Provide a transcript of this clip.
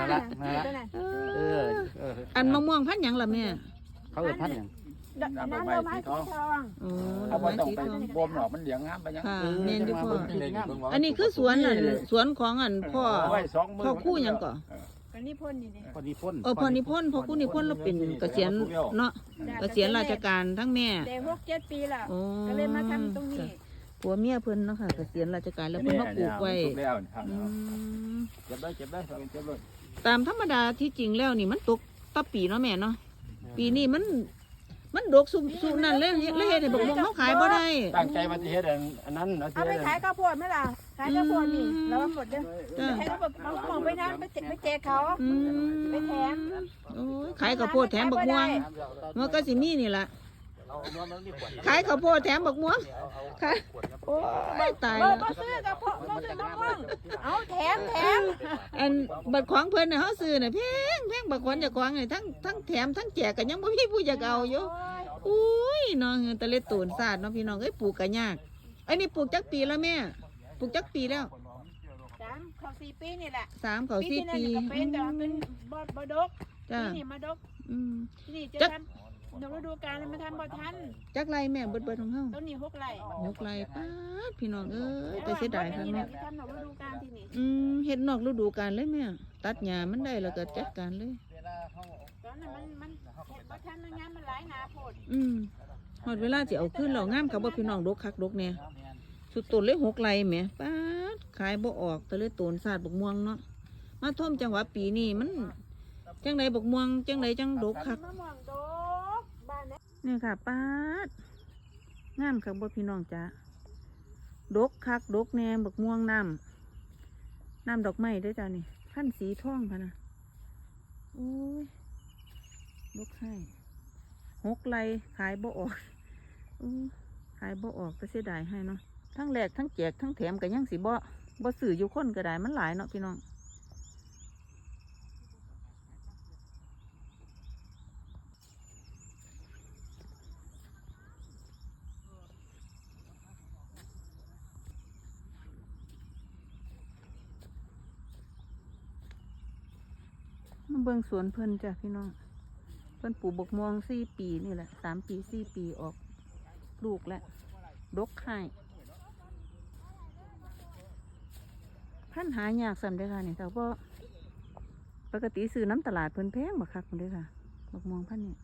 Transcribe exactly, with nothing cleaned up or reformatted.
นั่นละนั่นละเออเอออันมะม่วงพันธุ์หยังล่ะแม่เขาเอิ้นพันธุ์หยังน้ำดอกไม้สีทองโอ้ดเขาอกบ่ไม้ต้องสีไปทองบ่มหรอกมันเหลียงงามไปยังค่ะแม่นอยู่พ่อเบิ่งอันนี้คือสวนอันสวนของอันพ่อเอาไว้สองมือพ่อคู่หยังก่อก็นี่พ่นนี่ดิพอดีพ่นเออพ่อนิพนธ์พ่อคู่นิพนธ์เราเป็นเกษียณเนาะเกษียณราชการทั้งแม่แต่หกเจ็ดปีแล้วโอ้ก็เลยมาทำตรงนี้ผัวเมียเพิ่นเนาะค่ะเกษียณราชการแล้วเพิ่นมาปลูกไว้ปลูกแล้วครับอืมเก็บได้เก็บได้เก็บเลยตามธรรมดาที่จริงแล้วนี่มันตกต่อปีเนาะแม่เนาะปีนี้มันมันดกสุสุนั่นเลยเลยเฮ็ดให้บักม่วงเขาขายบ่ได้ตั้งใจมาที่เฮ็ดอันนั้นนะเอาไปขายข้าวโพดไหมล่ะขายข้าวโพดนี่แล้วหมดเด้อจ้าให้เขาบอกมองไปนั้นไปแจกไปแจกเขาอืมไปแถมโอ้ยขายข้าวโพดแถมบักม่วงมันก็สิมีนี่ล่ะขายข้าวโพดแถมบักม่วงขายโอ้ยตายเบอแล้วร์บ่ซื้อกับพ่อบ่ซื้อน้องม่วงเอาแถมแถมอันบัตรของเพิ่นน่ะเฮาซื้อน่ะแพงแพงบักขวัญเจ้าของนี่ทั้งทั้งแถมทั้งแจกก็ยังบ่มีผู้อยากเอาอยู่อุ้ยน้องตะเล็ดตูนซาดเนาะพี่น้องเอ้ยปลูกก็ยากอันนี้ปลูกจักปีแล้วแม่ปลูกจักปีแล้วสามเขาสี่ปีนี่แหละสามเขาสี่ที่ปีนั่นก็เป็นแต่ว่าเป็นบ่บ่ดกจ้าที่นี่มาดกอืมที่นี่จะจักทำนฤดูกาลมาทำบ่ทันจักไรแม่เบิดเบิดของเฮาต้นนี้หกไร่ยกไรป้าดพี่น้องเอ้ยแต่เสียดายค่ะนี่เนาะทำนฤดูกาลที่นี่อืมเฮ็ดนอกฤดูกาลเลยแม่ตัดหญ้ามันได้แล้วก็จัดการเลยตอนนั้นมันมันบ่ทันมันงานมันหลายหนาโพดอืมฮอดเวลาสิเอาขึ้นแล้วงามกับบ่พี่น้องดกคักดกแน่สุดต้นเลยหกไรแหมป้าดขายบ่ออกแต่เลยต้นซาดบักม่วงเนาะมาท่วมจังหวะปีนี้มันจังไดบักม่วงจังไดจังดกคักมะม่วงดกบ้านนี้นี่ค่ะป้าดงามคักบ่พี่น้องจ้าดกคักดกแหน่บักม่วงน้ำน้ำดอกไม้เด้วยจ้านี่พันสีทองพะนะโอ้ยดกให้หกไรขายบ่ออกอู้ขายบ่ออกก็เสียดายให้เนาะทั้งแหลกทั้งแจกทั้งแถมกันยังสิบ่บ่สื่ออยู่คนก็ได้มันหลายเนาะพี่น้องมาเบิ่งสวนเพิ่นจ้ะพี่น้องเพิ่นปลูกบกม่วงสี่ปีนี่แหละสามปีสี่ปีออกลูกแล้วดกไข่พันหายากสั่นเด้อค่ะนี่แต่ว่าปกติซื้อน้ำตลาดเพิ่นแพงบักคักเพิ่นเด้อค่ะบกม่วงพันนี่